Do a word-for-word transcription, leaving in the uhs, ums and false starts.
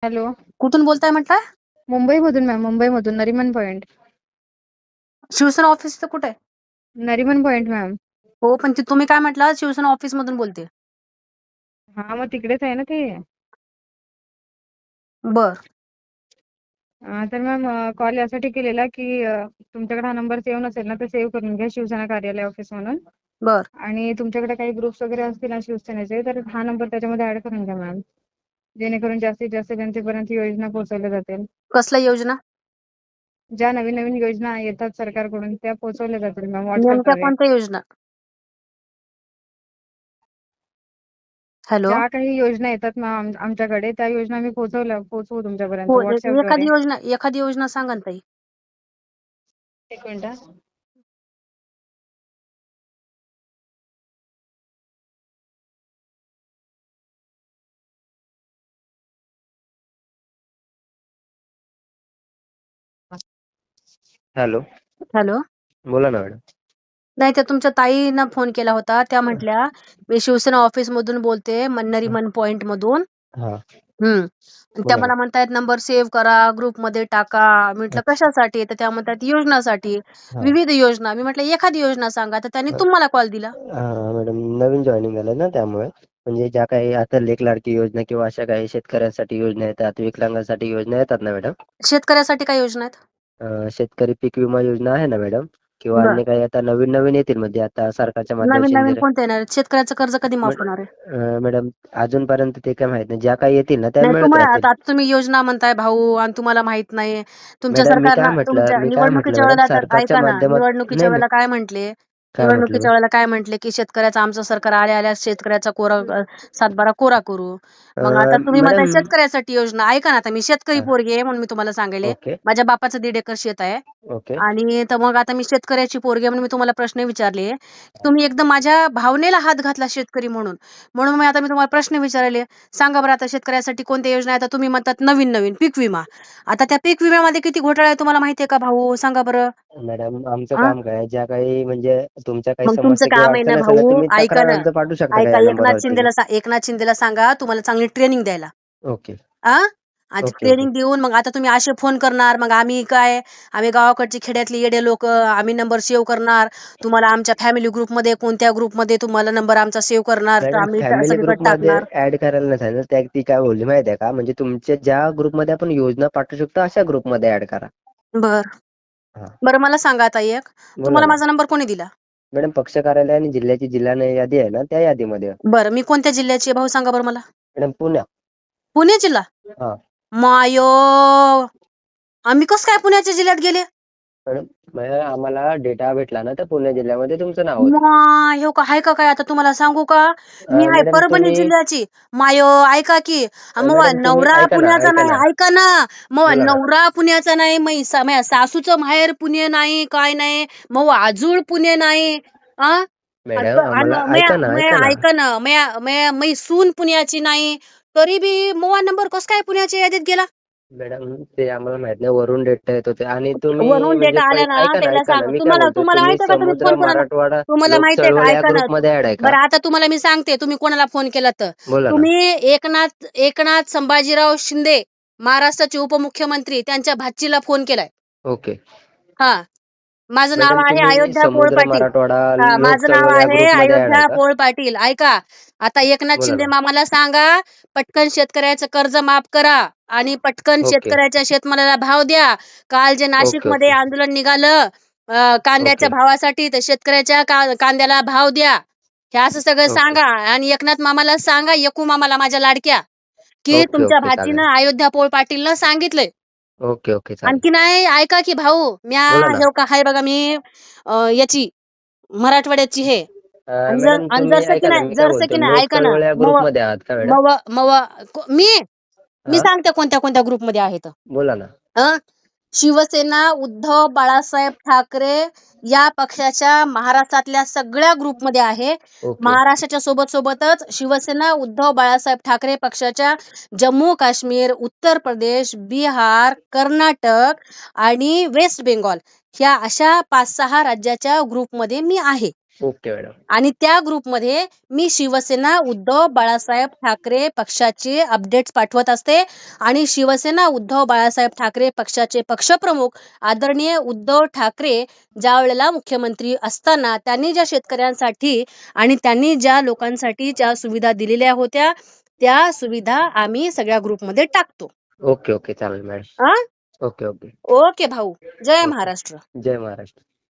Hello. कुठून बोलताय म्हटलं? मुंबईमधून मॅम, मुंबईमधून नरिमन पॉइंट. शिवसेना ऑफिसचं कुठे आहे? Nariman point ma'am. हो, पण ते तुम्ही काय म्हटलं शिवसेना ऑफिस मधून बोलते. हा, मग तिकडेच आहे ना ते. बर. अं, तर मॅम कॉल यासाठी केलेला की अं, तुमच्याकडे हा नंबर सेव्ह नसेल ना, तर सेव्ह करून घ्या, शिवसेना कार्यालय ऑफिस म्हणून. बर. आणि तुमच्याकडे काही ग्रुप्स वगैरे असतील ना शिवसेनेचे, तर हा नंबर त्याच्यामध्ये ऍड करून घ्या मॅम, जेणेकरून जास्तीत जास्त जनतेपर्यंत योजना पोहोचवल्या जातील. कसल्या योजना? ज्या नवीन नवीन योजना येतात सरकारकडून त्या पोहोचवल्या जातील मॅम नेमक्या व्हॉट्सअपद्वारे. कोणत्या योजना? हॅलो. ज्या काही योजना येतात मॅम आमच्याकडे, त्या योजना मी पोहोचवल्या पोहोचवू तुमच्यापर्यंत हो, ए- व्हॉट्सअपद्वारे. एखादी योजना एखादी योजना सांगा ना ताई. एक मिनिट. हॅलो. हॅलो. बोला ना मॅडम. नाही, त्या तुमच्या ताईनं फोन केला होता, त्या म्हटल्या मी शिवसेना ऑफिस मधून बोलते, नरिमन पॉइंट मधून. हा, हम्म. त्या बोला ना. मला म्हणतायत नंबर सेव्ह करा, ग्रुप मध्ये टाका. म्हटलं अच्छा. कशासाठी? तर त्या म्हणतात योजनासाठी, हा. विविध योजना. मी म्हटलं एखादी योजना सांगा, तर त्यांनी तुम्हाला कॉल दिला. हा मॅडम, नवीन जॉईनिंग झालं ना, त्यामुळे म्हणजे ज्या काही आता लेख लाडकी योजना किंवा अशा काही शेतकऱ्यांसाठी योजना येतात, विकलांगांसाठी योजना येतात ना मॅडम. शेतकऱ्यासाठी काय योजना आहेत? अं, शेतकरी पीक विमा योजना आहे ना मॅडम, किंवा बर. अन्य काही आता नवीन नवीन येतील, म्हणजे आता सरकारच्या नवीन माध्यमातून नवीन जर कोणते येणार आहेत? शेतकऱ्याचं कर्ज कधी माफ होणार आहे? अं, मॅडम अजूनपर्यंत ते काय माहित नाही, ज्या काही येतील ना त्या नाही, मिळत तुम्हाला राहतील. आता आता तुम्ही योजना म्हणताय भाऊ, आणि तुम्हाला माहित नाही. तुमच्या मॅडम मी काय सरकारनं म्हटलं तुमच्या मी काय म्हटलं निवडणुकीच्या मॅडम, वेळेला तर सरकारच्या ऐका ना, माध्यमात निवडणुकीच्या नाही नाही वेळेला काय म्हंटले? काय म्हटलं निवडणुकीच्या वेळेला काय म्हंटले की शेतकऱ्याचं आमचं सरकार आल्या आल्या शेतकऱ्याचा कोरा अ, सातबारा कोरा करू. मग आता अं, तुम्ही म्हणताय मॅडम. शेतकऱ्यासाठी योजना. ऐका ना, आता मी शेतकरी हा, पोरगी आहे म्हणून मी तुम्हाला सांगेले. ओके माझ्या बापाचं दीड एकर शेत आहे. ओके. आणि तर मग आता मी शेतकऱ्याची पोरगी आहे म्हणून मी तुम्हाला प्रश्न विचारले. तुम्ही एकदम माझ्या भावनेला हात घातला शेतकरी म्हणून. म्हणून मी आता मी तुम्हाला प्रश्न विचारले. सांगा बरं आता शेतकऱ्यासाठी कोणत्या योजना आहेत? आता तुम्ही म्हणतात नवीन नवीन पीक विमा. आता त्या पीक विम्यामध्ये किती घोटाळा आहे तुम्हाला माहितीये का भाऊ? सांगा बरं. मॅडम आमचं आ? काम काय, ज्या काही म्हणजे तुमच्या काही मग तुमचं समस्या किंवा काम आहे ना अडचण असेल ना, भाऊ, तुम्ही ऐका तक्रार ना, अर्ज पाठवू शकता का ऐका या एकनाथ नंबरवरती. शिंदेला सा- एकनाथ शिंदेला सांगा तुम्हाला चांगली ट्रेनिंग द्यायला. ओके आ आणि ओके ओके. ट्रेनिंग देऊन मग आता तुम्ही असे फोन करणार, मग आम्ही काय, आम्ही गावाकडची खेड्यातली येडे लोक, आम्ही नंबर सेव्ह करणार. तुम्हाला आमच्या फॅमिली ग्रुपमध्ये कोणत्या ग्रुपमध्ये तुम्हाला नंबर आमचा सेव्ह करणार, तर मॅडम आम्ही त्या फॅमिली सगळीकडे ग्रुपमध्ये टाकणार. ऍड करायला नाही सांगितलं, त्या ती काय बोलली माहिती आहे का, म्हणजे तुमच्या ज्या ग्रुपमध्ये आपण योजना पाठवू शकतो अशा ग्रुपमध्ये ऍड करा. बर. हा, बरं, मला सांगा आता एक, बोला तुम्हाला ना माझा नंबर कोणी दिला? मॅडम. पक्ष कार्यालय आणि जिल्ह्याची जिल्हा यादी आहे ना, त्या यादीमध्ये. बरं, मी कोणत्या जिल्ह्याची आहे भाऊ सांगा बरं मला. मॅडम पुण्या. पुणे जिल्हा. हा मायो, आम्ही कसं काय पुण्याच्या जिल्ह्यात गेले? मॅडम, मॅडम, आम्हाला डेटा भेटला ना, तर पुणे जिल्ह्यामध्ये तुमचं नाव होतं. मा हो का, हाय का काय? आता तुम्हाला सांगू का, मी अं, आहे मॅडम परभणी तुम्ही जिल्ह्याची. मायो, ऐका की, अं, मग मॅडम तुम्ही नवरा ऐका ना पुण्याचा ऐका नाही, ना ऐका ना, मग बोला ना. नवरा पुण्याचा नाही, मै सा- माझ्या सासूचं माहेर पुणे नाही, काय नाही, मग आजूळ पुणे नाही. आ मॅडम आम्हाला ऐका ना ऐका ना ऐका ना, मै मै सून पुण्याची नाही, तरी बी मोबाईल नंबर कस काय पुण्याच्या यादीत गेला? मॅडम ते आम्हाला माहित नाही, वरून डेटा येत होते. आणि तुम्ही वरून म्हणजे डेटा आला पै- ना, ऐका ना त्याला ऐका ना सांग. मी काय तुम्हाला बोलतोय, तुम्हाला तुम्ही माहितीये का तुम्ही समुद्र फोन कोणाला, मराठवाडा तुम्हाला लोक माहितीये का, चळवळ या ऐका ना. ग्रुपमध्ये ऍड आहे का. बरं, आता तुम्हाला मी सांगते तुम्ही कोणाला फोन केला तर. बोला ना. तुम्ही एकनाथ एकनाथ संभाजीराव शिंदे, महाराष्ट्राचे उपमुख्यमंत्री, त्यांच्या भाचीला फोन केलाय. ओके हा, माझं नाव मॅडम, आहे तुम्ही अयोध्या पोळ समुद्र पाटील. मराठवाडा हा, लोक माझं नाव चळवळ या आहे ग्रुपमध्ये ऍड आहे अयोध्या का. पोळ पाटील. ऐका, आता एकनाथ बोला शिंदे ना. मामाला सांगा पटकन शेतकऱ्याचं कर्ज माफ करा आणि पटकन ओके शेतकऱ्याच्या शेतमालाला भाव द्या. काल जे नाशिक ओके मध्ये ओके आंदोलन निघालं अं, कांद्याच्या ओके भावासाठी, तर शेतकऱ्याच्या का- कांद्याला भाव द्या. हे असं सगळं ओके सांगा. आणि एकनाथ मामाला सांगा, एकू मामाला माझ्या लाडक्या, की ओके तुमच्या ओके चालेल. भाचीनं अयोध्या पोळ पाटीलनं सांगितलंय. ओके ओके चालेल. आणखी नाही, ऐका की भाऊ, म्या बोला ना. हे का हाय बघा, मी अं, याची मराठवाड्याची हे. अं, आणि जर मॅडम आणि तुम्ही जरसं की ऐका ना, नाही मी काय जरसं बोलतो, की नाही लोक ऐका ना, चळवळ या मव ग्रुपमध्ये आहात का मॅडम. मव मव को- मी मी हा, सांगते कोणत्या कोणत्या ग्रुपमध्ये आहेत. बोला ना. अं? शिवसेना उद्धव बाळासाहेब ठाकरे या पक्षाच्या महाराष्ट्रातल्या सगळ्या ग्रुपमध्ये आहे. ओके महाराष्ट्राच्या सोबत सोबतच शिवसेना उद्धव बाळासाहेब ठाकरे पक्षाच्या जम्मू काश्मीर, उत्तर प्रदेश, बिहार, कर्नाटक आणि वेस्ट बेंगॉल ह्या अशा पाच सहा राज्याच्या ग्रुपमध्ये मी आहे. Okay madam. आणि त्या ग्रुपमध्ये मी शिवसेना उद्धव बाळासाहेब ठाकरे पक्षाचे अपडेट्स पाठवत असते आणि शिवसेना उद्धव बाळासाहेब ठाकरे पक्षाचे पक्षप्रमुख आदरणीय उद्धव ठाकरे ज्या वेळेला मुख्यमंत्री असताना त्यांनी ज्या शेतकऱ्यांसाठी आणि त्यांनी ज्या लोकांसाठी ज्या सुविधा दिलेल्या होत्या त्या सुविधा आम्ही सगळ्या ग्रुपमध्ये टाकतो. ओके ओके चालेल मॅडम. आ ओके ओके ओके भाऊ. जय ओके. महाराष्ट्र. जय महाराष्ट्र.